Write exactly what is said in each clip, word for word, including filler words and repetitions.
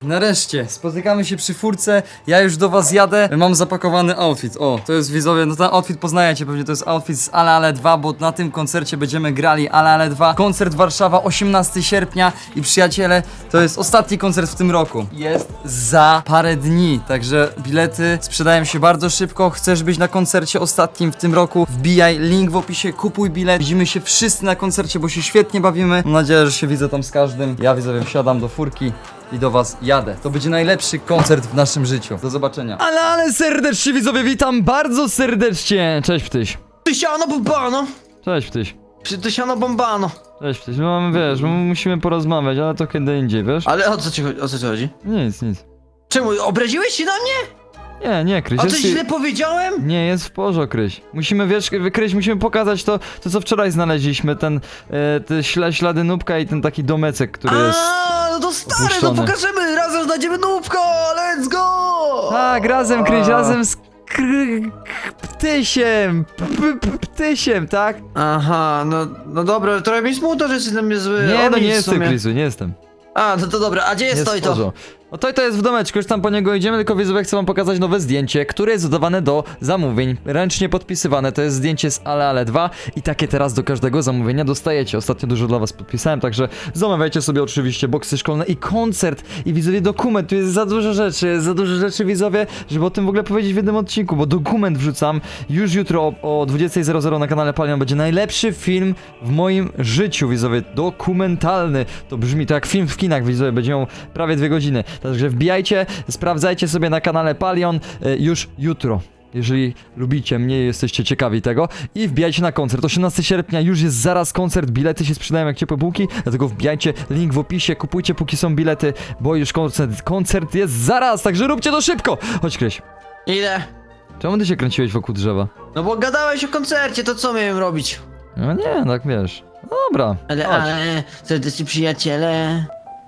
nareszcie, spotykamy się przy furce, ja już do was jadę, mam zapakowany outfit, o, to jest widzowie, no ten outfit poznajecie pewnie, to jest outfit z Ale Ale dwa, bo na tym koncercie będziemy grali Ale Ale dwa, koncert Warszawa, osiemnastego sierpnia i przyjaciele, to jest ostatni koncert w tym roku, jest za parę dni, także bilety sprzedają się bardzo szybko, chcesz być na koncercie ostatnim w tym roku, wbijaj, link w opisie, kupuj bilet, widzimy się wszyscy na koncercie, bo się świetnie bawimy, mam nadzieję, że się widzę tam z każdym, ja widzowie wsiadam do furki i do was jadę. To będzie najlepszy koncert w naszym życiu. Do zobaczenia. Ale, ale serdecznie widzowie, witam bardzo serdecznie. Cześć Ptyś. Tysiano bombano! Cześć Ptyś. Przy tysiano bombano! Cześć Ptyś. No mamy, wiesz, my musimy porozmawiać, ale to kiedy indziej, wiesz? Ale o co ci chodzi? O co ci chodzi? Nic, nic. Czemu? Obraziłeś się na mnie? Nie, nie, Kryś. A jest- coś źle powiedziałem? Nie, jest w porządku, Kryś. Musimy, wiesz, Kryś, musimy pokazać to, to co wczoraj znaleźliśmy, ten, e, te śla, ślady nóbka i ten taki domecek, który jest... A, no to stary, no opuszczony. pokażemy! Razem znajdziemy nóbko! Let's go! Tak, razem, Kryś, A. razem z kry, k- Ptysiem, p, p, Ptysiem, tak? Aha, no, no dobra, trochę mi smutno, że jesteś na mnie zły. Nie, O no nic nie w jestem, sumie. Krysu, nie jestem. A, no to dobra, a gdzie jest, Jest to i w to? porządku. No to, to jest w domeczku, już tam po niego idziemy, tylko widzowie chcę wam pokazać nowe zdjęcie, które jest dodawane do zamówień, ręcznie podpisywane, to jest zdjęcie z Ale Ale dwa i takie teraz do każdego zamówienia dostajecie. Ostatnio dużo dla was podpisałem, także zamawiajcie sobie oczywiście boksy szkolne i koncert i widzowie dokument, tu jest za dużo rzeczy, jest za dużo rzeczy widzowie, żeby o tym w ogóle powiedzieć w jednym odcinku, bo dokument wrzucam już jutro o, o dwudziestej zero zero na kanale Palion, będzie najlepszy film w moim życiu widzowie, dokumentalny, to brzmi to jak film w kinach widzowie, będzie miał prawie dwie godziny. Także wbijajcie, sprawdzajcie sobie na kanale Palion y, już jutro. Jeżeli lubicie mnie i jesteście ciekawi tego. I wbijajcie na koncert. osiemnastego sierpnia już jest zaraz koncert. Bilety się sprzedają jak ciepłe bułki. Dlatego wbijajcie, link w opisie. Kupujcie póki są bilety, bo już koncert, koncert jest zaraz. Także róbcie to szybko. Chodź Kryś. Ile? Czemu ty się kręciłeś wokół drzewa? No bo gadałeś o koncercie, to co miałem robić? No nie, tak wiesz. No dobra. Ale, chodź. ale, serdeczni przyjaciele...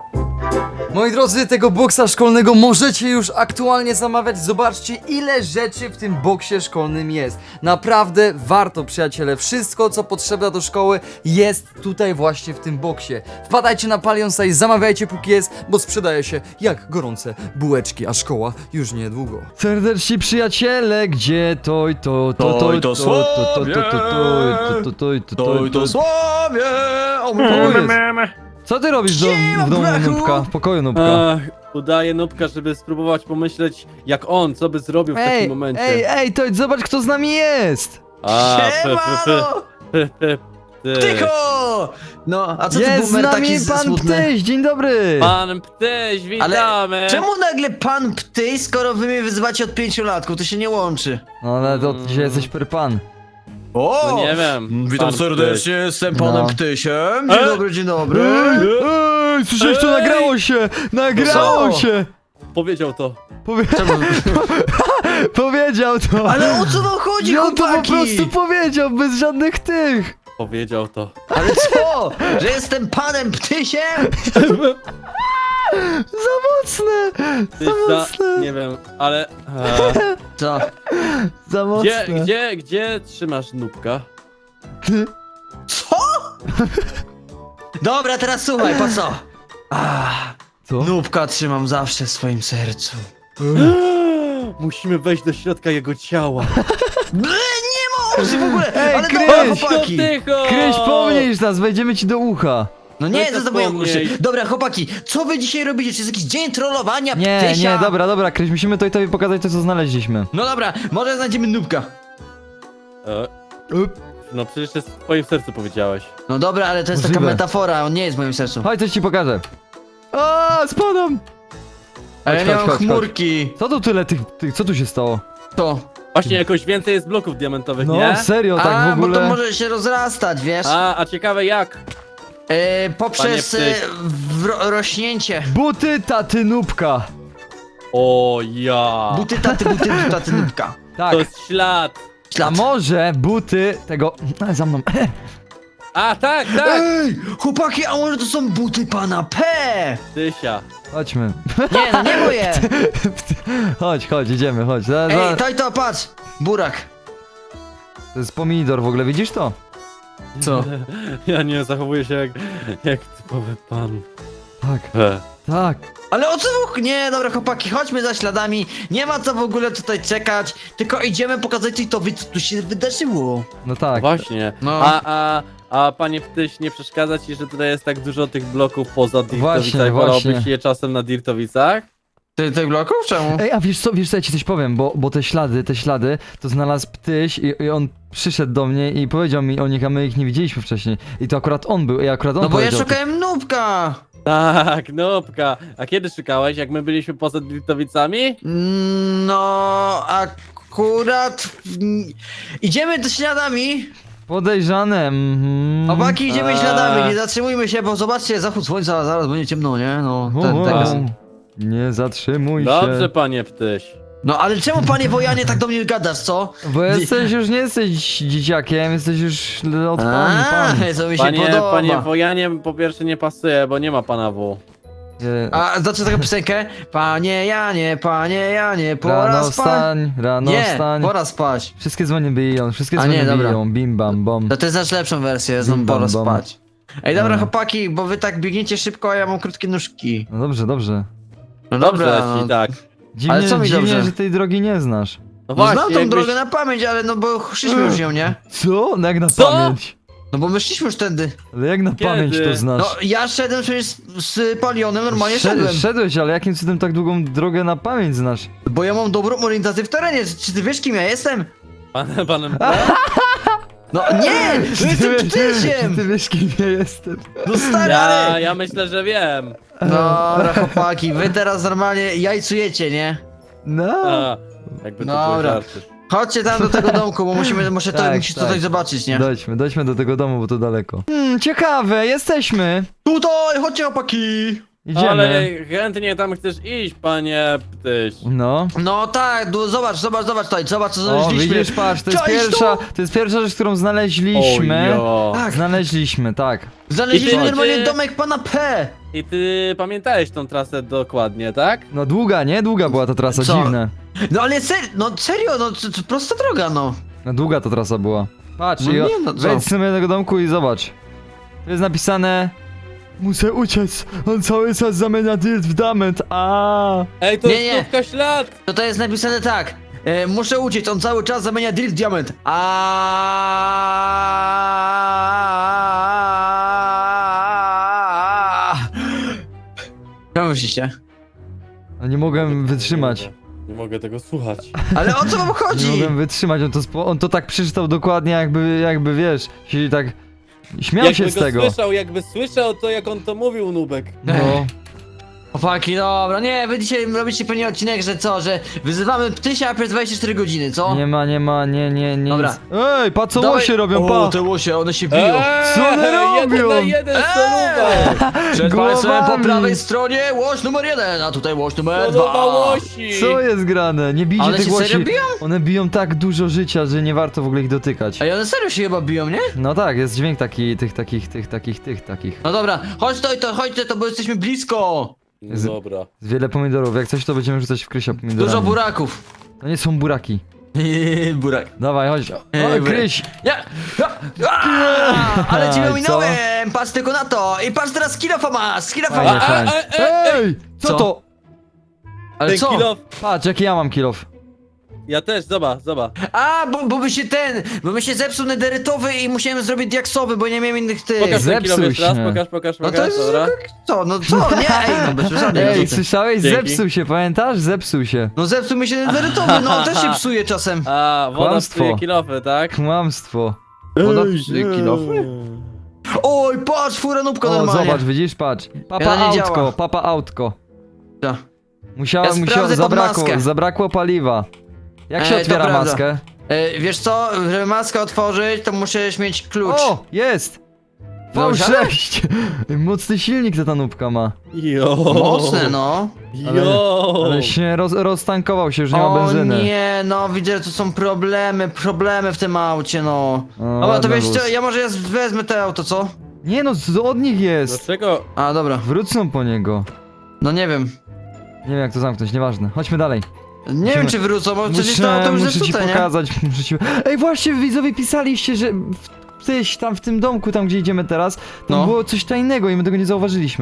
Moi drodzy, tego boksa szkolnego możecie już aktualnie zamawiać. Zobaczcie, ile rzeczy w tym boksie szkolnym jest. Naprawdę warto, przyjaciele. Wszystko, co potrzebne do szkoły, jest tutaj właśnie w tym boksie. Wpadajcie na Palionsa i zamawiajcie póki jest, bo sprzedaje się jak gorące bułeczki, a szkoła już niedługo. Serdeczni przyjaciele, gdzie to i to, to, to, To i to, to to, to, to, sławie. to, to, to, to, to, to, To i to sławie! O mój To Boże. jest. Co ty robisz do, Siema, w domu brachu. Nubka? W pokoju Nubka? Ach, udaję Nubka, żeby spróbować pomyśleć jak on, co by zrobił w takim Ej, momencie. ej, ej, to zobacz kto z nami jest! A, p, p, Siemano! p, p, p, Tycho! No, a co ty Jest z boomer nami taki pan smutny? Ptyś, dzień dobry! Pan Ptyś, witamy! Czemu nagle pan Ptyj, skoro wy mnie wyzywacie od pięciu latków? To się nie łączy. No ale to dzisiaj jesteś per pan. O! No nie wiem. Witam pan serdecznie, jestem panem No. Ptysiem. Dzień E? dobry, dzień dobry. Ej, słyszałeś to? Ej! Nagrało się! Nagrało Co? się! Ptyś. Powiedział to. Powie... Czemu? powiedział to! Ale o co wam chodzi, I on to po chłopaki? prostu powiedział, bez żadnych tych! Powiedział to. Ale co? Że jestem panem Ptysiem? Za mocne! Tyś Za za... mocne! Nie wiem, ale... E, Co? Za mocne! gdzie, gdzie, gdzie trzymasz Nubka? Co? Dobra, teraz słuchaj, po co? Ah, Co? Nubka trzymam zawsze w swoim sercu. Musimy wejść do środka jego ciała. Ble, nie ma opcji w ogóle! Ej, Ale Kryś! dobra, No chłopaki! tycho! Kryś, pomniejsz nas, wejdziemy ci do ucha! No nie, No to to za moje wspomniej. uszy. Dobra, chłopaki, co wy dzisiaj robicie? Czy jest jakiś dzień trollowania Nie, Ptysia? nie, dobra, dobra, Kryś, musimy to i tobie pokazać to, co znaleźliśmy. No dobra, może znajdziemy Nubka. E, no przecież jest w twoim sercu powiedziałeś. No dobra, ale to jest taka Możliwe. metafora, on nie jest w moim sercu. Chodź, coś ci pokażę. O, spadam! Ale ja chodź, nie mam chodź, chodź. chmurki. Co tu tyle tych, tych, co tu się stało? To. Właśnie jakoś więcej jest bloków diamentowych, No, nie? serio, tak A, w ogóle. bo to może się rozrastać, wiesz? A, a ciekawe jak? E, poprzez Panie e, Ptyś. wro- rośnięcie. Buty taty Nubka. O ja! Buty taty, buty taty Nubka. Tak. To jest ślad! A Ślad. może buty tego... A, za mną. A, tak, tak! Ej, chłopaki, a może to są buty pana P? Tysia. Chodźmy. Nie, no nie moje. Chodź, chodź, idziemy, chodź. Za, Ej, za... to i to, patrz. Burak. To jest pomidor w ogóle, widzisz to? Co? Ja nie zachowuję się jak, jak typowy pan. Tak. E. Tak. Ale o co w... Nie, dobra chłopaki, chodźmy za śladami. Nie ma co w ogóle tutaj czekać. Tylko idziemy pokazać Tojtowi, co tu się wydarzyło. No tak. Właśnie. No. A, a, a panie Ptyś, nie przeszkadza ci, że tutaj jest tak dużo tych bloków poza Właśnie, Dirtowicach? właśnie. Wolałbyś je czasem na Dirtowicach? Ty tych bloków? Czemu? Ej, a wiesz co, wiesz co, ja ci coś powiem, bo, bo te ślady, te ślady, to znalazł Ptyś i, i on przyszedł do mnie i powiedział mi o nich, a my ich nie widzieliśmy wcześniej. I to akurat on był, i akurat on No bo ja powiedział. szukałem nubka. Tak, nopka. A kiedy szukałeś? Jak my byliśmy poza Dirtowicami? No, akurat... Idziemy do śladami. Podejrzane, mhm. Chłopaki, idziemy Eee. śladami, nie zatrzymujmy się, bo zobaczcie, zachód słońca, zaraz będzie ciemno, nie? No, ten, O, teraz. nie zatrzymuj Dobrze, się. panie Ptyś. No ale czemu panie Wojanie tak do mnie gadasz, co? Bo jesteś już, nie jesteś dzieciakiem, jesteś już od pan, pan. co mi się Panie, podoba. panie Wojanie po pierwsze nie pasuje, bo nie ma pana W. Nie. A znaczy taką piosenkę? Panie Janie, panie Janie, pora Rano spać. wstań, rano Nie, wstań. pora spać. Wszystkie dzwony biją, wszystkie A dzwony nie, dobra. biją, bim bam bom. To ty znasz lepszą wersję, znam Bim, pora bam, bam. spać. Ej, dobra A. chłopaki, bo wy tak biegniecie szybko, a ja mam krótkie nóżki. No dobrze, dobrze. No Dobrze dobra, ci no. tak. Dziwnie, Ale co mi dziwnie dobrze? że tej drogi nie znasz. No No właśnie, znam tą jakbyś- drogę na pamięć, ale no bo szliśmy już nią, nie? Co? No jak na Co? pamięć? No bo my szliśmy już tędy. Ale jak na Kiedy? pamięć to znasz? No ja szedłem przecież z, z Palionem, normalnie Szed- szedłem. Szedłeś, ale jakim cudem tak długą drogę na pamięć znasz? Bo ja mam dobrą orientację w terenie, czy ty wiesz kim ja jestem? Panem, panem No nie! No jestem Ty ptysiem! wiesz kim ja jestem. No stary, Ja, ale... ja myślę, że wiem. Dobra chłopaki, wy teraz normalnie jajcujecie, nie? No. A, jakby to było Dobra. żarty. Chodźcie tam do tego domku, bo musimy, muszę to, Tak, musisz tak. tutaj zobaczyć, nie? Dojdźmy, dojdźmy do tego domu, bo to daleko. Hmm, ciekawe, jesteśmy. Tutaj, chodźcie chłopaki! Idziemy. Ale chętnie tam chcesz iść, panie Ptyś. No. No tak, du- zobacz, zobacz, zobacz tutaj, zobacz co O, znaleźliśmy. widzisz, patrz, to jest Cześć, pierwsza, tu! to jest pierwsza rzecz, którą znaleźliśmy. Ojo. Tak, Znaleźliśmy, tak. znaleźliśmy I ty- normalnie ty- domek pana P. I ty pamiętałeś tą trasę dokładnie, tak? No długa, nie? Długa była ta trasa, Co? dziwne. No ale ser, no serio, no to, to prosta droga, no. No długa ta trasa była. Patrz, No i o, nie, no co? wejdź sobie do tego domku i zobacz. Tu jest napisane... Muszę uciec, on cały czas zamienia dirt w diament, a. Ej, to Nie, jest nie. nówka ślad! To to jest napisane tak. E, muszę uciec, on cały czas zamienia drill w diament. A. Co myślicie? No nie mogłem wytrzymać. Nie mogę tego słuchać. Ale o co wam Nie chodzi? mogłem wytrzymać, on to, spo, on to tak przeczytał dokładnie jakby, jakby wiesz, się tak... Śmiał Jakby się z go tego. słyszał, jakby słyszał to, jak on to mówił, Nubek. No. Chłopaki, dobra, nie, wy dzisiaj robicie pewnie odcinek, że co, że wyzywamy ptysia przez dwadzieścia cztery godziny, co? Nie ma, nie ma, nie, nie, nie. Dobra. nic. Ej, pa co Dawaj- łosie robią, O, pa! te łosie, one się biją. Eee, Co one Jeden robią? na jeden Eee! soluwa! Przed państwem po głowami. prawej stronie łoś numer jeden, a tutaj łoś numer Soluwa dwa. łosi! Co jest grane? Nie bijcie Ale tych się serio łosi. biją? One biją tak dużo życia, że nie warto w ogóle ich dotykać. Ej, one serio się chyba biją, nie? No tak, jest dźwięk taki, tych, takich, tych, takich, tych, takich. No dobra, chodź to, to chodźcie to, bo jesteśmy blisko. Z- Dobra. Z wiele pomidorów, jak coś to będziemy rzucać w Krysia pomidorami. Dużo buraków. To nie są buraki. Burak. Dawaj, chodź. O, Ej, burak. Kryś! Ja! A, ale cię Aj, ominąłem! Patrz tylko na to! I patrz teraz kilofa masz! Kilofa Fajnie, masz! fajnie. e, e, Ej! Co, Co? to? Ale Ten co? kilof. Patrz, jaki ja mam kilof. Ja też, zobacz, zobacz. A, bo, bo by się ten, bo by się zepsuł nederytowy i musiałem zrobić diaksowy, bo nie miałem innych tych. Pokaż ten kilof Zepsuł jeszcze raz, się. pokaż, pokaż, No pokaż, to jest, dobra. co, no co, nie, ej, no bez przesady. Ej, no, co ty? słyszałeś? Dzięki. Zepsuł się, pamiętasz? Zepsuł się. No zepsuł mi się nederytowy, no on też się psuje czasem. A, woda Kłamstwo. psuje kilofy, tak? Kłamstwo. Woda psuje kilofy? Oj, patrz, fura nóbka O, normalnie. zobacz, widzisz, patrz. Papa Ja nie autko, działa. papa autko. Co? Musiała, Ja musiała, sprawdzę pod zabrakło, maskę. zabrakło paliwa. Jak się Ej, to otwiera prawda. maskę? E, wiesz co, żeby maskę otworzyć, to musisz mieć klucz. O, jest! V Dobrze? sześć! Mocny silnik ta tanówka ma. Jo. Mocne, no. Jo. Ale się roz, roztankował się, już nie ma O benzyny. nie, no widzę, że tu są problemy, problemy w tym aucie, no. O, Dobra, to ładny wiesz wóz. co, ja może ja wezmę te auto, co? Nie no, to od nich jest. Dlaczego? A, dobra, Wrócą po niego. no nie wiem. Nie wiem jak to zamknąć, nieważne. Chodźmy dalej. Nie Musimy- wiem czy wrócą, bo przecież to Muszę, auto już muszę ci zepsute, nie? pokazać, muszę ci... Ej, właśnie widzowie pisaliście, że w, gdzieś tam w tym domku, tam gdzie idziemy teraz, tam No. było coś tajnego i my tego nie zauważyliśmy.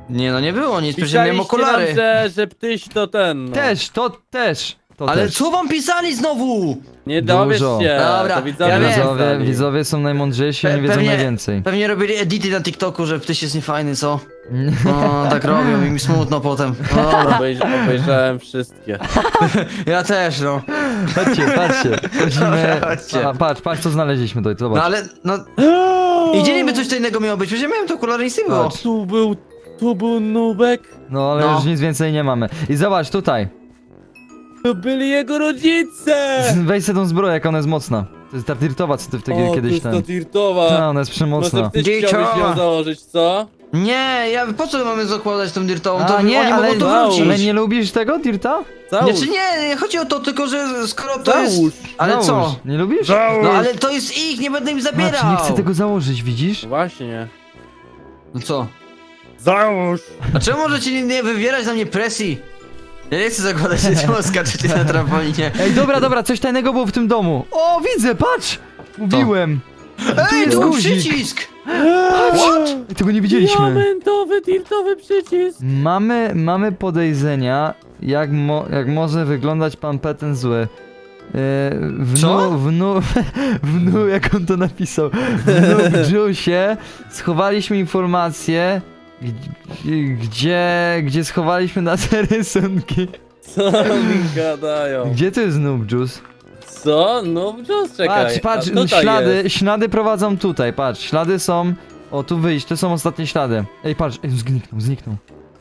Nie no, nie było nic, przecież ja miałem Pisaliście nam, okulary. że, że ptyś to ten, no. Też, to też. To Ale też. co wam pisali znowu? Nie dowiesz Dużo. się. Dobra, to widzowie ja wiem. Widzowie, napisali. widzowie są najmądrzejsi, Pe- oni wiedzą pewnie- najwięcej. Pewnie robili edity na TikToku, że ptyś jest niefajny, co? No, tak robią i mi smutno potem. No dobra, Obejrz, obejrzałem wszystkie. ja też, no. Patrzcie, patrzcie. Chodzimy... Chodźcie. A, patrz, patrz co znaleźliśmy tutaj, zobacz. No ale, no... I gdzie niby coś innego miało być? Przecież ja miałem te okulary, nic nie było. Patrz. Tu był, tu był Nubek. No ale No. już nic więcej nie mamy. I zobacz tutaj. To byli jego rodzice. Weź sobie tą zbroję, jak ona jest mocna. To jest ta dirtowa, co ty wtedy O, to kiedyś jest ten... to dirtowa. No, ona jest przemocna. Może ty Dziecioma. chciałbyś ją założyć, co? Nie, ja po co mamy zakładać tą dirtową? A To nie, oni ale, mogą to Załóż. wrócić. ale nie lubisz tego dirta? Załóż. Znaczy nie, nie chodzi o to, tylko że skoro to Załóż. jest... Ale Załóż. co? Nie lubisz? No ale to jest ich, nie będę im zabierał. Masz, nie chcę tego założyć, widzisz? Właśnie. No co? Załóż. A czemu możecie nie, nie wywierać na mnie presji? Ja nie chcę zakładać, że czemu skaczecie na trampolinie. Ej, dobra, dobra, coś tajnego było w tym domu. O, widzę, patrz! Mówiłem. Ej, jest tu był guzik. przycisk! Ej, tego nie widzieliśmy. Diamentowy, dirtowy przycisk. Mamy, mamy podejrzenia, jak, mo, jak może wyglądać pan Peten zły. Yy, w Co? nu, w nu, w nu, jak on to napisał, w Juice schowaliśmy informacje, gdzie, gdzie, gdzie schowaliśmy nasze rysunki. Co mi gadają? Gdzie to jest Noob Juice? Co? No, just czekaj. Patrz, patrz, A tutaj ślady, jest. ślady prowadzą tutaj, patrz, ślady są, o tu wyjść, to są ostatnie ślady. Ej, patrz, ej, zniknął, zniknął.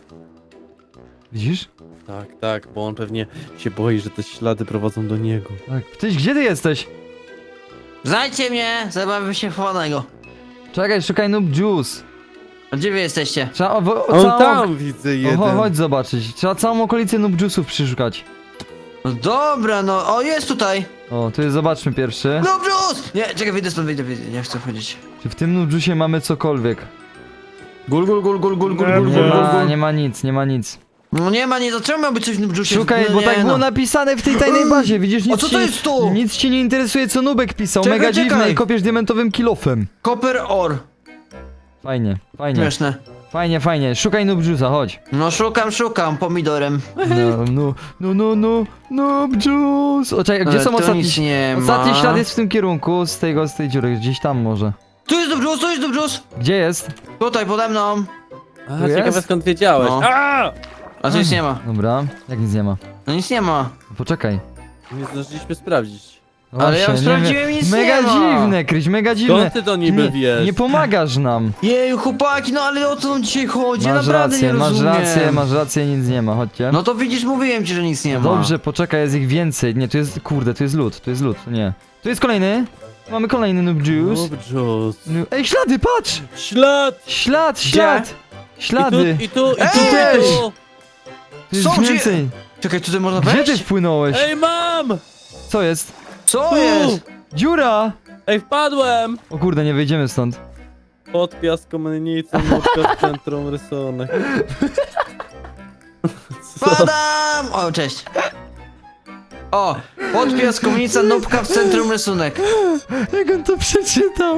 Widzisz? Tak, tak, bo on pewnie się boi, że te ślady prowadzą do niego. Tak. Tyś, gdzie ty jesteś? Znajdźcie mnie, zabawmy się chowanego. Czekaj, szukaj Noob Juice. A gdzie wy jesteście? Trzeba o, o, On całą... tam widzę O, jeden. cho- chodź zobaczyć. Trzeba całą okolicę Noob Juice'ów przeszukać. No dobra, no, o jest tutaj! O, tu jest, zobaczmy pierwszy. No brus! Nie, czekaj, wyjdę stąd, wyjdę, wyjdę, nie chcę wchodzić. Czy w tym Noob Juice'ie mamy cokolwiek? Gul, gul, gul, gul, gul, gul, gul, Nie gul, ma, gul. nie ma nic, nie ma nic. No nie ma, nie, to czemu miałby coś w brzusie? Szukaj, no, bo nie, tak było no. napisane w tej tajnej bazie, widzisz? Nic A co to ci, jest tu? Nic cię nie interesuje, co Nubek pisał. Czekaj, Mega czekaj. dziwne i kopiesz diamentowym kilofem. Copper ore. Fajnie, fajnie, Śmieszne. fajnie, fajnie. Szukaj Noob Juice'a, chodź. No szukam, szukam, pomidorem. No, no, no, no, no, Noob Juice. O, czekaj, gdzie Ale są tu ostatni... nic nie Ostatni ma. ślad jest w tym kierunku, z tego, z tej dziury, gdzieś tam może. Tu jest brus, tu jest brus! Gdzie jest? Tutaj, pode mną. A, Tu ciekawe jest? skąd wiedziałeś. No. A! A tu nic nie ma. Dobra, jak nic nie ma. No nic nie ma. Poczekaj. Nie zdążyliśmy sprawdzić. No Ale ja właśnie, sprawdziłem, wiem. nic Mega nie ma. dziwne, Kryś, mega dziwne. Skąd ty to niby nie, wiesz? nie pomagasz nam. Jeju, chłopaki, no ale o co nam dzisiaj chodzi? Ja Masz naprawdę rację, nie masz rozumiem. rację, masz rację, nic nie ma, chodźcie. No to widzisz, mówiłem ci, że nic nie ma. Dobrze, poczekaj, jest ich więcej. Nie, tu jest, kurde, tu jest lód, tu jest lód, nie. Tu jest kolejny. Mamy kolejny Noob Juice. Noob Juice. No, ej, ślady, patrz! Ślad! Ślad, ślad! Ślady! I tu, i tu, i Ej! tu, i też! tu. Tu jest Są, gdzie- więcej. Czekaj, tutaj można Gdzie wejść? ty wpłynąłeś? Ej, mam! Co jest? Co Tu! jest? Dziura! Ej, wpadłem! O kurde, nie wyjdziemy stąd. Pod piaskomnicą, nubka w centrum rysunek. Co? Padam! O, cześć. O, pod piaskownica, nubka w centrum rysunek. Jak on to przeczytał?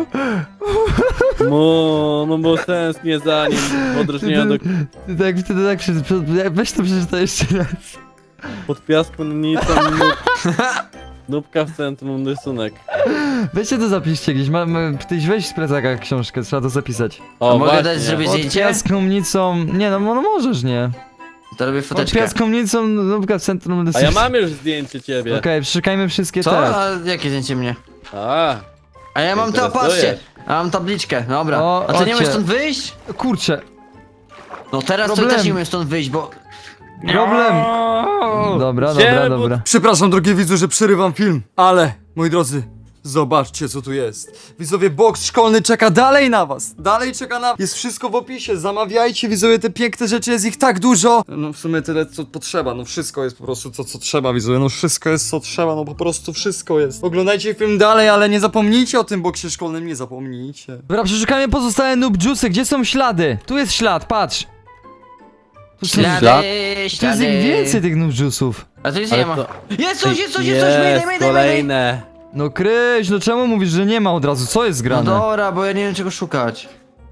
No, no bo tęsknię za nim. W odróżnieniu do... Ty tak, ty tak przeczytał. Weź to przeczytaj jeszcze raz. Pod piaskomnicą, nub... nubka w centrum rysunek. Weźcie to zapiszcie gdzieś. Ma, ma, tyś weź z plecaka książkę, trzeba to zapisać. O, A mogę właśnie. dać zrobić- Pod Zdjęcie? piaskomnicą... Nie no, no możesz, nie. To robię Pod foteczkę. piaskomnicą, nubka w centrum... A ja mam już zdjęcie ciebie. Okej, przeszukajmy wszystkie Co? te. A jakie zdjęcie mnie? A, A ja mam to, Interesujesz. patrzcie. A mam tabliczkę, dobra. O, A ty nie chodźcie. umiesz stąd wyjść? Kurczę, No teraz to Problem. też nie umiem stąd wyjść, bo... problem. Dobra, dobra, Idziemy, bo- dobra. Przepraszam, drogie widzu, że przerywam film, ale, moi drodzy, zobaczcie, co tu jest. Widzowie, boks szkolny czeka dalej na was. Dalej czeka na... Jest wszystko w opisie, zamawiajcie, widzowie, te piękne rzeczy, jest ich tak dużo. No w sumie tyle, co potrzeba, no wszystko jest po prostu to, co trzeba, widzowie, no wszystko jest, co trzeba, no po prostu wszystko jest. Oglądajcie film dalej, ale nie zapomnijcie o tym boksie szkolnym, nie zapomnijcie. Dobra, przeszukajmy pozostałe noob juice'y. Gdzie są ślady? Tu jest ślad, patrz. Tu są- Ślady, Ślad? Tu jest ślady. ich więcej tych noob juice'ów. A tu nic Ale nie ma. to- Jest coś, jest coś, jest coś, mayday, mayday, mayday. kolejne. No Kryś, no czemu mówisz, że nie ma od razu? Co jest No grane? dobra, bo ja nie wiem czego szukać.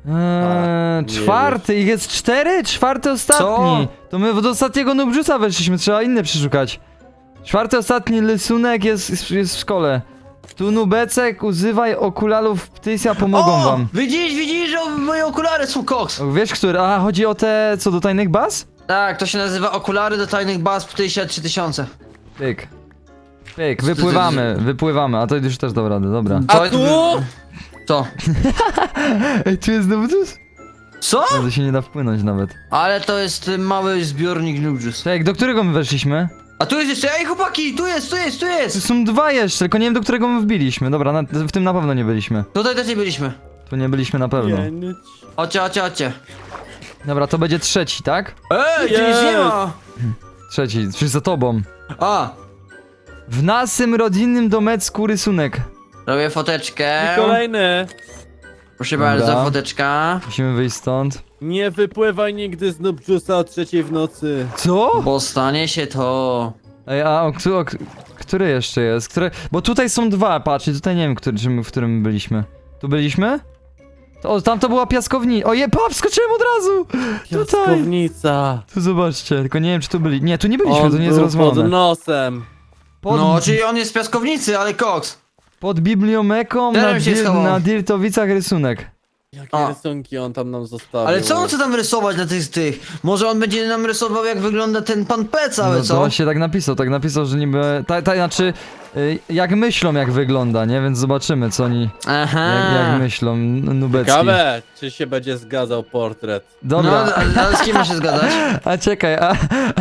Eee, nie czwarty, ich jest cztery? Czwarty ostatni. To my do ostatniego Nubjusa weszliśmy, trzeba inne przeszukać. Czwarty ostatni rysunek jest, jest, jest w szkole. Tu Nubecek, używaj okularów Ptysia, pomogą O! wam. Widzisz, widzisz, że moje okulary są koks. O, wiesz, który? A, chodzi o te, co do tajnych baz? Tak, to się nazywa okulary do tajnych baz Ptysia trzy tysiące. Pyk. Pyk, wypływamy, wypływamy, a to już też dam radę, dobra. A To- tu? Co? Ej, tu jest Nubjus? Co? No to się nie da wpłynąć nawet. Ale to jest y, mały zbiornik Nubjus. Czekaj, do którego my weszliśmy? A tu jest jeszcze, ej chłopaki, tu jest, tu jest, tu Tu jest! są dwa jeszcze, tylko nie wiem, do którego my wbiliśmy. Dobra, na, w tym na pewno nie byliśmy. Tutaj też nie byliśmy. Tu nie byliśmy na pewno. Pięć. Chodźcie, chodźcie, chodźcie. Dobra, to będzie trzeci, tak? Ej, tu nic nie Jest. ma! Trzeci, czy za tobą. A, W naszym rodzinnym domecku rysunek. robię foteczkę. I kolejny. Proszę Dobra. bardzo, foteczka. Musimy wyjść stąd. Nie wypływaj nigdy z Nubjusa o trzeciej w nocy. Co? Bo stanie się to... Ej, a o, któ- o, k- który jeszcze jest? Który... Bo tutaj są dwa, patrz, i tutaj nie wiem, który, czy my, w którym byliśmy. Tu byliśmy? To, o, tam to była piaskownica. Oje, pap, skoczyłem od razu! Tutaj! Piaskownica. Tu zobaczcie, tylko nie wiem, czy tu byli. Nie, tu nie byliśmy, On to nie jest był pod rozwalone. nosem. Pod, No, czyli on jest z piaskownicy, ale koks. pod bibliomeką na, Teraz się dir, schował. na Dirtowicach rysunek. Jakie A. rysunki on tam nam zostawił. Ale co on chce tam rysować na tych, tych? Może on będzie nam rysował, jak wygląda ten pan P cały, No co? to on się tak napisał, tak napisał, że niby... Ta, ta, znaczy, y, jak myślą, jak wygląda, nie? Więc zobaczymy, co oni... Aha. Jak, jak myślą, n- Nubecki. Ciekawe, czy się będzie zgadzał portret. Dobra, No, ale, ale z kim ma się zgadać? a czekaj, a...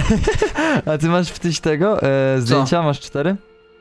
A ty masz wtyś tego? E, zdjęcia? Masz cztery?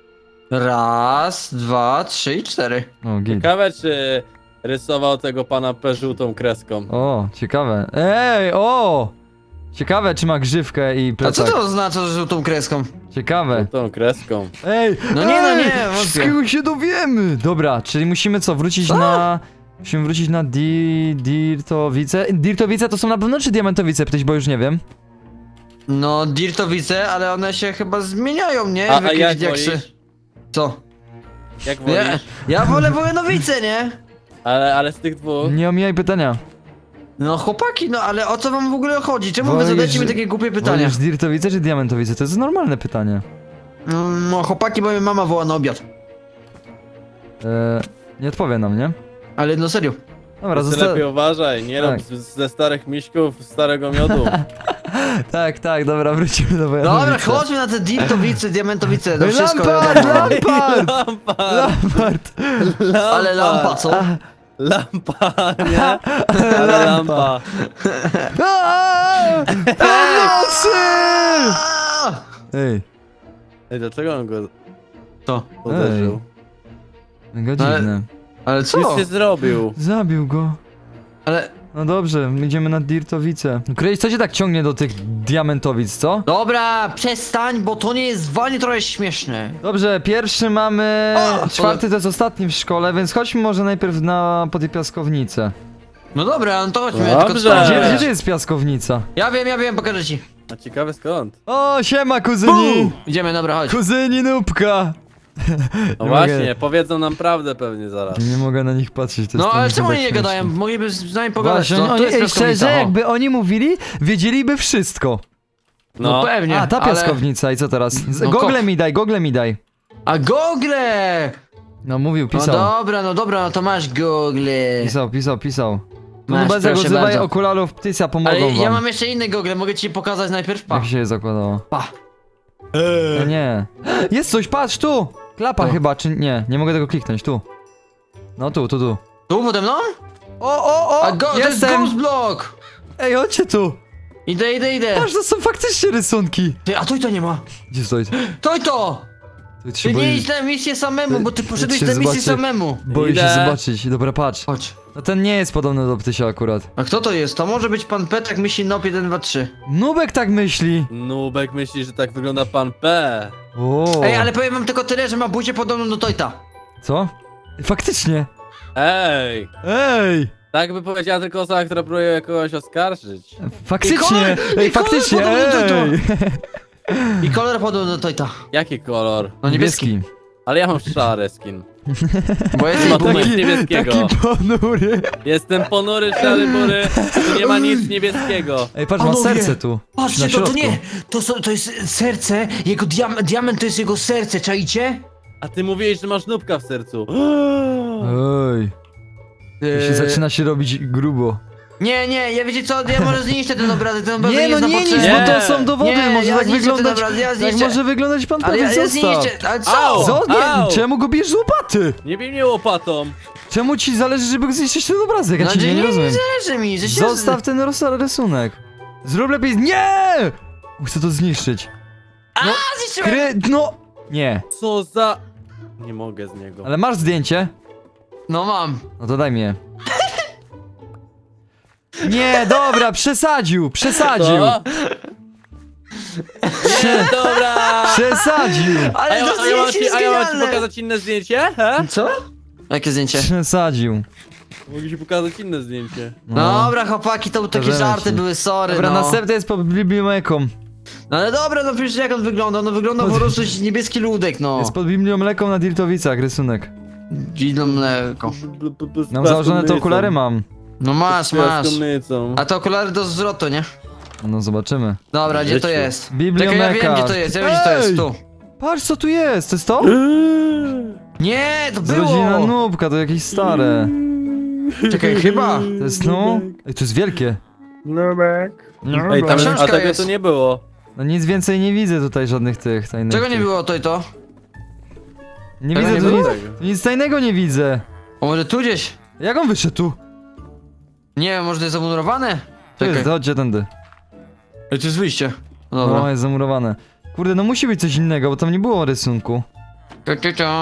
Raz, dwa, trzy i cztery. O, git. Ciekawe, czy rysował tego pana P żółtą kreską. O, ciekawe. Ej, o! Ciekawe, czy ma grzywkę i A co plecak. to oznacza, że żółtą kreską? Ciekawe. Żółtą kreską. Ej, No nie, no ej, nie, wątpię. wszystkiego się dowiemy. Dobra, czyli musimy co, wrócić Co? na... Musimy wrócić na di... Dirtowice. Dirtowice to są na pewno, czy Diamentowice, Ptyś, bo już nie wiem. No, dirtowice, ale one się chyba zmieniają, nie? A, W a jakieś jak diaksy. wolisz? Co? Jak Ja, wolisz? ja wolę Wojenowice, nie? Ale, ale z tych dwóch. Nie omijaj pytania. No chłopaki, no ale o co wam w ogóle chodzi? Czemu wy Wolisz- zadajecie mi takie głupie pytania? Wolisz Dirtowice czy Diamentowice? To jest normalne pytanie. No, no chłopaki, bo mnie mama woła na obiad. E, nie odpowie nam, nie? Ale no serio. Dobra, Ty zosta... lepiej uważaj, nie Tak. rób z, ze starych miśków starego miodu. Tak, tak, dobra, wrócimy do Dobra, Wojanowice. chodźmy na te dirtowice, diamentowice, to Ej, wszystko Lampard, wiadomo. Lampard! Lampa! Lampard! Ale lampa, co? Lampa, nie? Ale lampa. Aaaa! Pomocy! A! Ej, Ej, dlaczego on go To. uderzył? mega Ale- dziwne. Ale co? Nic się zrobił. Zabił go. Ale... No dobrze, idziemy na Dirtowice. Krejś, co cię tak ciągnie do tych diamentowic, co? Dobra, przestań, bo to nie jest walnie trochę śmieszne. Dobrze, pierwszy mamy... O, Czwarty to jest ostatni w szkole, więc chodźmy może najpierw na po tej piaskownicę. No dobra, no to chodźmy, Dobrze. tylko co? Gdzie, Eee. gdzie jest piaskownica? Ja wiem, ja wiem, pokażę ci. A ciekawe skąd? O, siema kuzyni! Idziemy, dobra, chodź. Kuzyni Nubka! No Nie właśnie, mogę- powiedzą nam prawdę pewnie zaraz. Nie mogę na nich patrzeć, to No jest ale tam czemu tak oni nie śmieszne. gadają? Mogliby z nami pogadać, Właśnie, no, oni, to jest ej, piaskownica, szczerze, o. jakby oni mówili, wiedzieliby wszystko. No, No, pewnie, A, ta ale... piaskownica i co teraz? Z, No, gogle kop. mi daj, gogle mi daj. A gogle! No mówił, No pisał. dobra, no dobra, no to masz gogle. Pisał, pisał, pisał. No Masz, bez proszę używaj bardzo. okularów Ptysia, pomogą Ale wam. ja mam jeszcze inne gogle, mogę ci pokazać najpierw, pa. Jak się je zakładało? Pa. No nie. Jest coś, patrz, tu! Klapa Tu. chyba, czy nie? Nie mogę tego kliknąć, tu. No tu, tu, tu. Tu pode mną? O, o, o! A go, to jest jestem! ghost block! Ej, chodźcie tu! Idę, idę, idę. Patrz, to są faktycznie rysunki! Ty, a to i to nie ma. Gdzie stoi? To i to! Tu Ty się nie boi, idź na misję samemu, bo ty poszedłeś się na misję zobaczy. samemu. boi się Idę. zobaczyć. Dobra, patrz. Chodź. No ten nie jest podobny do Ptysia akurat. A kto to jest? To może być pan Petek, myśli Nop jeden, dwa, trzy. Nubek tak myśli! Nubek myśli, że tak wygląda pan P. O. Ej, ale powiem wam tylko tyle, że ma buzię podobną do Tojta. Co? Faktycznie! Ej! Ej! Tak by powiedziała tylko osoba, która próbuje kogoś oskarżyć. Faktycznie! kolor- Ej, i kolor faktycznie! podobny do Ej! I kolor podobny do Tojta. Jaki kolor? No niebieski. Ale ja mam szary skin. Bo jesteś Ma tu boomer. nic niebieskiego. Taki ponury. Jestem ponury, szary, bury. Tu nie ma nic niebieskiego. Ej, patrz, ma Panowie, serce tu. Patrzcie, na to, to środku. nie, to, są, to jest serce, jego diam diament to jest jego serce, czaicie? A ty mówiłeś, że masz nubka w sercu. Ej, to się zaczyna się robić grubo. Nie, nie, ja wiecie co, ja może zniszczę ten obrazek, ten obrazek Nie, no jest nie na niż, potrzebę. bo to są dowody, Nie, może ja tak zniszczę ten wyglądać, obraz, ja tak zniszczę. może wyglądać pan Ale prawie, ja, ja zostaw. zniszczę, ale Au! co? Co? Nie, Au! czemu go bierzesz z łopaty? Nie bij mnie łopatą. Czemu ci zależy, żeby zniszczyć ten obrazek? Ja No, ci że nie, nie rozumiem. zależy mi, że się... Zostaw ten ros- rysunek. Zrób lepiej. Nie! Chcę to zniszczyć. A, zniszczyłem! Kry... No! Nie. Co za... Nie mogę z niego. Ale masz zdjęcie? No mam. No to daj mi je. Nie, dobra, przesadził, przesadził. Co? Nie, dobra. Przesadził. A Ale ja, to a ja, mam zdjęcie ci, jest a ja mam ci genialne. pokazać inne zdjęcie? He? Co? Jakie zdjęcie? Przesadził. Mogę ci pokazać inne zdjęcie. No dobra, chłopaki, to takie Pokażemy żarty ci. były, sorry, Dobra, no. następny jest pod biblioteką. No ale dobra, no przecież jak on wygląda? No wygląda po prostu niebieski ludek, no. Jest pod biblioteką na Dirtowicach rysunek. Dzidło mleko. Mam założone te okulary, mam. No masz, masz. Piaskomnicą. A te okulary do zwrotu, nie? No zobaczymy. Dobra, gdzie to Życiu. jest? Bibliomeka. Czekaj, ja wiem gdzie to jest, ja wiem gdzie to jest, Ej! tu. Patrz co tu jest, to jest to? Nie, to Z rodzina było! Nubka, to jakieś stare. Czekaj, chyba. To jest no? Ej, to jest wielkie. Nubek. No, Ej, tam, Książka a tego jest. tu nie było. no nic więcej nie widzę tutaj żadnych tych tajnych. Czego nie tych. było to i to? Nie Tego widzę nie tu było? nic, tu nic tajnego nie widzę. O, może tu gdzieś? Jak on wyszedł tu? Nie wiem, może to jest zamurowane? To jest, Czekaj. chodźcie tędy. Ej, to jest wyjście. No, Dobra. jest zamurowane. Kurde, no musi być coś innego, bo tam nie było rysunku. Tu, tu, tu.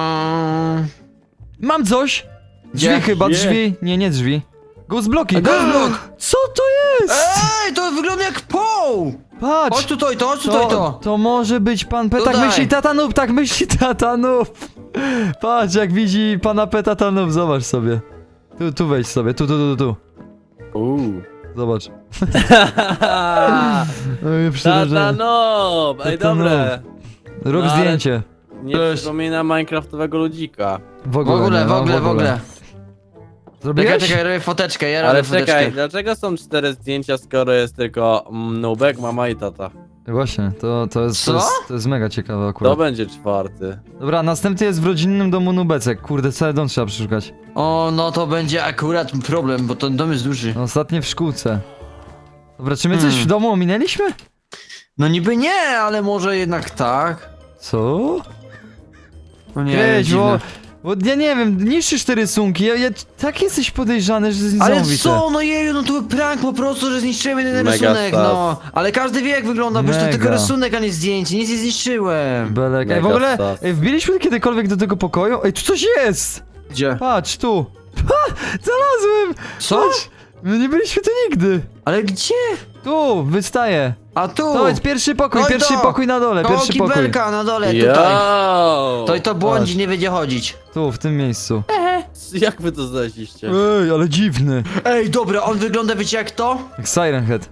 Mam coś! Drzwi Gdzie? chyba, Gdzie? drzwi. Nie, nie drzwi. Ghost blocki. A, ghost block! Co to jest? Ej, to wygląda jak poł! Patrz! Chodź tutaj, to, chodź tutaj, To, to. to może być pan P. Tak Tutaj. myśli tata Noob, tak myśli tata Noob. Patrz, jak widzi pana P. tata Noob, zobacz sobie. Tu, tu wejdź sobie, tu, tu, tu, tu. Uuu. Zobacz. Tata Oj, przerażenie. nob! Ej, Tata dobre. Rób No, ale- zdjęcie. Nie Cześć. przypomina minecraftowego ludzika. W W ogóle, ogóle, nie, w no, ogóle, w ogóle. Zrobiłeś? Czekaj, czekaj, robię foteczkę, ja robię Ale foteczkę. czekaj, dlaczego są cztery zdjęcia, skoro jest tylko mm, Nubek, mama i tata? Właśnie, to, to, jest, to, Co? jest, to jest mega ciekawe To akurat. będzie czwarty. Dobra, następny jest w rodzinnym domu Nubecek. Kurde, cały dom trzeba przeszukać. O, no to będzie akurat problem, bo ten dom jest duży. Ostatnie w szkółce. Dobra, czy my coś Hmm. w domu ominęliśmy? No niby nie, ale może jednak tak. Co? No nie, Weź, dziwne. bo, bo ja nie wiem, niszczysz te rysunki, ja, ja tak jesteś podejrzany, że to jest Ale niesamowite. co, no jeju, no to był prank po prostu, że zniszczyłem jeden Mega rysunek, stas. no. Ale każdy wie jak wygląda, bo to Mega. tylko rysunek, a nie zdjęcie, nic nie zniszczyłem. Belek. Ej, w Mega ogóle, stas. ej, wbiliśmy kiedykolwiek do tego pokoju? Ej, tu coś jest! Gdzie? Patrz, tu. Ha, znalazłem! Co? Patrz, my nie byliśmy tu nigdy. Ale gdzie? Tu, wystaje. A tu! To jest pierwszy pokój, No i pierwszy to. pokój na dole, Koło pierwszy pokój. kibelka na dole, Yo! tutaj. To i to błądzi, Patrz. nie wiedzie chodzić. Tu, w tym miejscu. Jak wy to znaleźliście? Ej, ale dziwny. Ej, dobra, on wygląda, wiecie jak to? Jak Siren Head.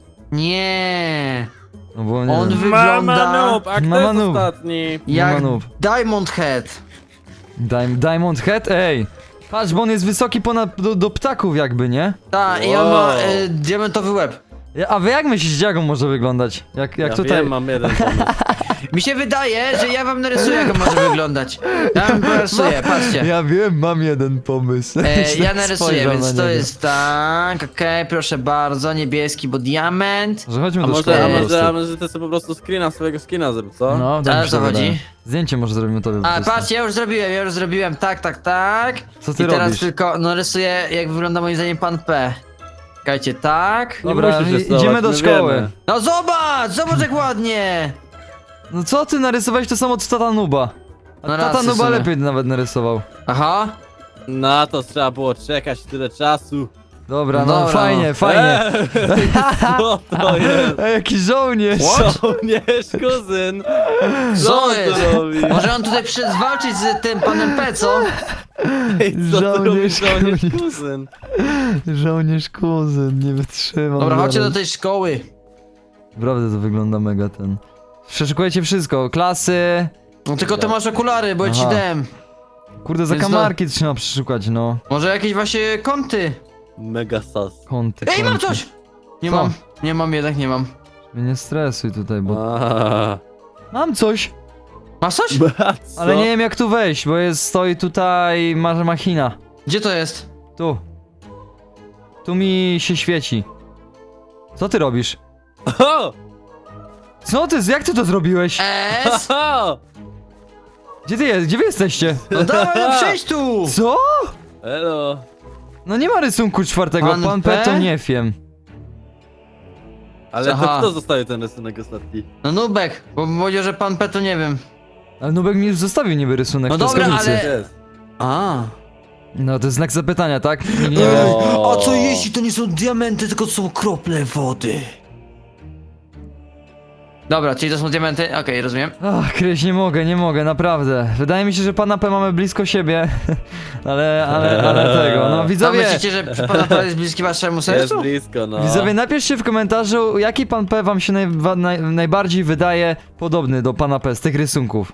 Nie. No bo nie On wiem. wygląda Mama noob, a kto Mama jest noob. ostatni? jak noob. Diamond Head. Dim Diamond Head? Ej! Patrz, bo on jest wysoki ponad do, do ptaków jakby, nie? Tak, i on Wow. ma y, diamentowy łeb. Ja- A wy jak myślicie, jak on może wyglądać? Jak, jak Ja tutaj... wiem, mam jeden pomysł. Mi się wydaje, że ja wam narysuję jak on może wyglądać. Ja wam narysuję, patrzcie. Ja wiem, mam jeden pomysł. E, Źle ja narysuję, spojrzał więc na to niego. jest tak, okej, proszę bardzo, niebieski, bo diament. Może chodźmy A do może, szkoły a po może, a prostu. może ty sobie po prostu screena swojego skina zrób, co? No, A tak o mi się co wydaje. chodzi? Zdjęcie może zrobimy tobie po A, prostu. patrz, ja już zrobiłem, ja już zrobiłem, tak, tak, tak. Co ty I teraz robisz? tylko narysuję, jak wygląda moim zdaniem pan P. Czekajcie, tak. Nie Dobra, musisz i- rysować, idziemy do my szkoły. wiemy. No zobacz, zobacz jak ładnie. No co ty narysowałeś to samo co tata Nuba? A No tata racja Nuba sobie. lepiej nawet narysował. Aha. Na to trzeba było czekać tyle czasu. Dobra, no Dobra, fajnie, no. fajnie. Eee, co to jest? Ej, jaki żołnierz! Żołnierz, kuzyn! Co Co on jest? tu robi? Może on tutaj przyszedł walczyć z tym panem P, co? Ej, co tu robi Żołnierz, żołnierz, kuzyn. kuzyn? Żołnierz kuzyn, nie wytrzymam. Dobra, chodźcie do zaraz. tej szkoły. Naprawdę to wygląda mega ten. Przeszukujecie wszystko, klasy. No tylko ty masz okulary, bo ja ci Aha. dałem. Kurde, Więc no- zakamarki trzeba przeszukać, no. Może jakieś właśnie kąty. Mega sas. Kąty, Ej, mam kąty. coś! Nie Co? mam, nie mam, jednak nie mam. Mnie nie stresuj tutaj, bo... A, Mam coś, Masz coś? co? ale nie wiem jak tu wejść, bo jest, stoi tutaj ma machina. Gdzie to jest? Tu. Tu mi się świeci. Co ty robisz? O! Co ty, jak ty to zrobiłeś? S? O! Gdzie ty jest, gdzie wy jesteście? No dawaj, no przyjdź tu! Co? Elo. No nie ma rysunku czwartego, Pan pan, P? P to nie wiem. Ale to Aha. kto zostaje ten rysunek ostatni? No Nubek, bo powiedział, że pan P to nie wiem. Ale Nubek mi już zostawił niby rysunek No w dobra, piaskownicy. ale- Jest. A. No to jest znak zapytania, tak? Nie, nie, Ej, O. a co jeśli to nie są diamenty, tylko to są krople wody? Dobra, czyli to są diamenty? Okej, rozumiem. Ach, Kryś, nie mogę, nie mogę, naprawdę. Wydaje mi się, że pana P mamy blisko siebie. ale, ale, ale tego, no A widzowie. myślicie, że przy pana P jest bliski waszemu Jest sercu? blisko, no. Widzowie, napiszcie w komentarzu, jaki pan P wam się naj, wa- naj, najbardziej wydaje podobny do pana P z tych rysunków.